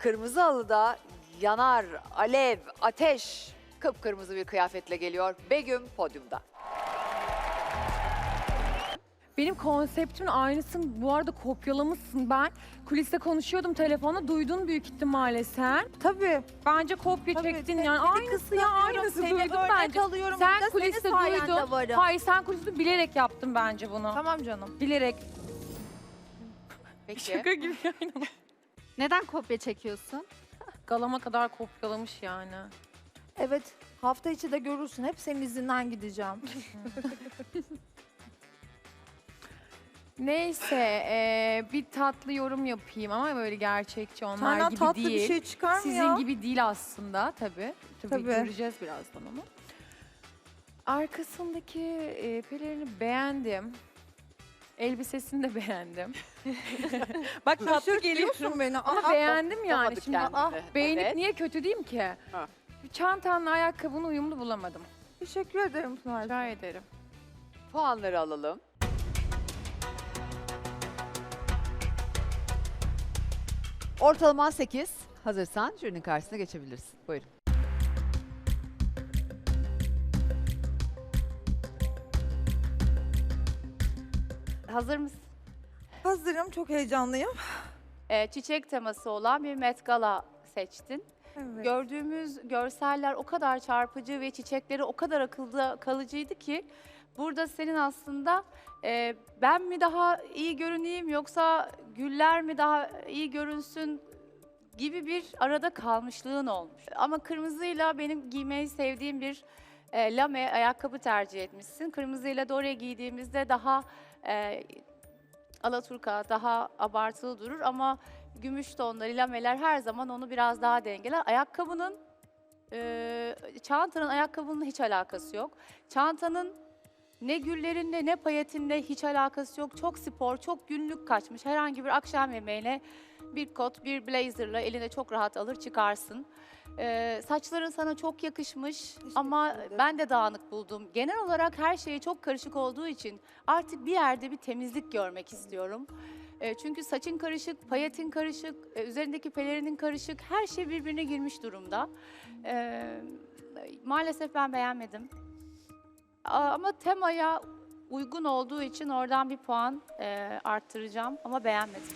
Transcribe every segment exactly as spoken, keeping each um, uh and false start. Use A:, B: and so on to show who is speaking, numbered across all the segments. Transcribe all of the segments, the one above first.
A: Kırmızı halıda yanar, alev, ateş, kıpkırmızı bir kıyafetle geliyor. Begüm podyumda.
B: Benim konseptimin aynısını bu arada kopyalamışsın. Ben kuliste konuşuyordum telefonla, duydun büyük ihtimalle sen.
C: Tabii.
B: Bence kopya
C: Tabii,
B: çektin
C: seni
B: yani. Aynısı ya,
C: kıskanıyorum,
B: aynısı
C: seni
B: duydum
C: örnek
B: bence.
C: alıyorum.
B: Sen
C: Burada
B: kuliste
C: senin sayende
B: duydun.
C: varım.
B: Hayır, sen kuliste bilerek yaptın bence bunu.
C: Tamam canım.
B: Bilerek.
A: Peki.
B: Şaka gibi yani.
D: Neden kopya çekiyorsun?
B: Galama kadar kopyalamış yani.
C: Evet. Hafta içi de görürsün. Hep senin izinden gideceğim.
B: Neyse, eee, bir tatlı yorum yapayım ama böyle gerçekçi onlar
C: Senden
B: gibi
C: tatlı
B: değil.
C: bir şey çıkar mı
B: Sizin
C: ya?
B: gibi değil aslında tabii. Tabii,
C: Tabii.
B: göreceğiz birazdan onu. Arkasındaki e, pelerini beğendim. Elbisesini de beğendim. Bak tatlı geliyor
C: Şaşırtıyorsun beni.
B: ama
C: Aa,
B: beğendim yani.
A: Bulamadı
B: Şimdi
A: kendini.
B: ah, beğenip
A: Evet.
B: niye kötü diyeyim ki?
A: Ha.
B: Çantanla ayakkabını uyumlu bulamadım.
C: Teşekkür ederim Pınar.
B: Rica ederim.
A: Puanları alalım. Ortalaman sekiz. Hazırsan jürinin karşısına geçebilirsin. Buyurun.
D: Hazır mısın?
C: Hazırım. Çok heyecanlıyım.
D: Ee, çiçek teması olan bir Met Gala seçtin.
C: Evet.
D: Gördüğümüz görseller o kadar çarpıcı ve çiçekleri o kadar akılda kalıcıydı ki burada senin aslında e, ben mi daha iyi görüneyim yoksa güller mi daha iyi görünsün gibi bir arada kalmışlığın olmuş. Ama kırmızıyla benim giymeyi sevdiğim bir e, lame ayakkabı tercih etmişsin. Kırmızıyla da oraya giydiğimizde daha e, alaturka, daha abartılı durur ama gümüş tonları, lameler her zaman onu biraz daha dengeler. Ayakkabının, e, çantanın ayakkabının hiç alakası yok. Çantanın ne güllerinle ne payetinle hiç alakası yok. Çok spor, çok günlük kaçmış. Herhangi bir akşam yemeğine bir kot, bir blazerla eline çok rahat alır çıkarsın. Ee, saçların sana çok yakışmış ama
C: ederim.
D: ben de dağınık buldum. Genel olarak her şey çok karışık olduğu için artık bir yerde bir temizlik görmek istiyorum. Ee, çünkü saçın karışık, payetin karışık, e, üzerindeki pelerinin karışık, her şey birbirine girmiş durumda. Ee, maalesef ben beğenmedim. Aa, Ama temaya uygun olduğu için oradan bir puan e, arttıracağım ama beğenmedim.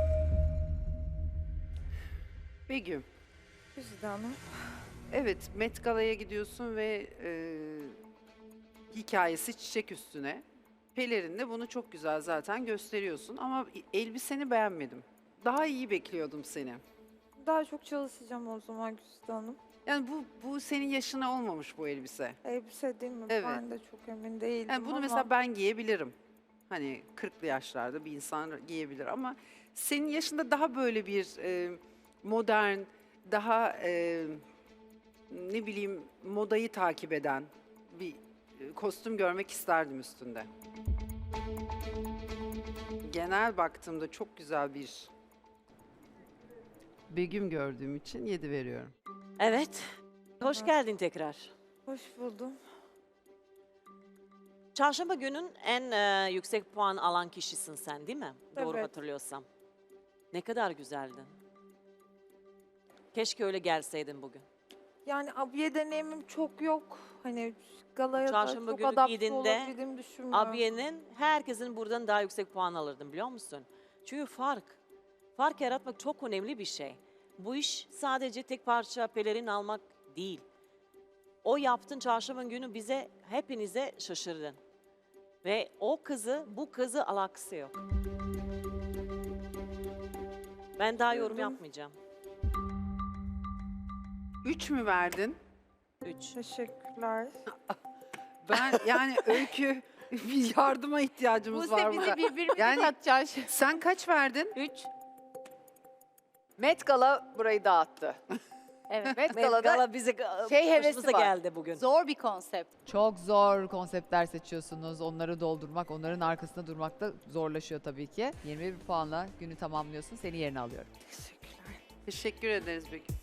E: Begüm,
C: Güzide Hanım.
E: evet Met Gala'ya gidiyorsun ve e, hikayesi çiçek üstüne. Pelerinle bunu çok güzel zaten gösteriyorsun ama elbiseni beğenmedim. Daha iyi bekliyordum seni.
C: Daha çok çalışacağım o zaman Güzide Hanım.
E: Yani bu bu senin yaşına olmamış bu elbise.
C: Elbise değil mi?
E: Evet.
C: Ben de çok emin değildim
E: Yani bunu
C: ama
E: mesela ben giyebilirim. Hani kırklı yaşlarda bir insan giyebilir ama senin yaşında daha böyle bir e, modern, daha e, ne bileyim modayı takip eden bir e, kostüm görmek isterdim üstünde. Genel baktığımda çok güzel bir Begüm gördüğüm için yedi veriyorum.
F: Evet. Hoş
C: Evet.
F: geldin tekrar.
C: hoş buldum.
F: Çarşamba günün en e, yüksek puan alan kişisin sen değil mi? Doğru
C: Evet.
F: hatırlıyorsam. Ne kadar güzeldin. Keşke öyle gelseydin bugün.
C: Yani abiye deneyimim çok yok. Hani galaya da
F: Çarşamba
C: çok
F: günü
C: adapte
F: giydiğinde
C: olabildiğimi düşünmüyorum.
F: Abiye'nin herkesin buradan daha yüksek puan alırdın biliyor musun? Çünkü fark. Fark yaratmak çok önemli bir şey. Bu iş sadece tek parça pelerin almak değil. O yaptığın çarşamba günü bize, hepinize şaşırdın. Ve o kızı, bu kızı alakası yok. Ben daha yorum
C: Üzüldüm.
F: yapmayacağım.
E: Üç mü verdin?
F: Üç.
C: Teşekkürler.
E: Ben yani Öykü bir yardıma ihtiyacımız var burada.
D: birbirimizi
E: Yani-
D: katacağız.
E: Sen kaç verdin?
D: Üç.
A: Met Gala burayı dağıttı.
D: Evet.
A: Met
F: Met
A: Gala'da
F: Gala bize
A: şey hevesi
F: başımıza
A: var.
F: geldi bugün.
D: Zor bir konsept.
G: Çok zor konseptler seçiyorsunuz. Onları doldurmak, onların arkasında durmak da zorlaşıyor tabii ki. yirmi bir puanla günü tamamlıyorsun. Seni yerine alıyorum.
E: Teşekkür ederiz Begüm.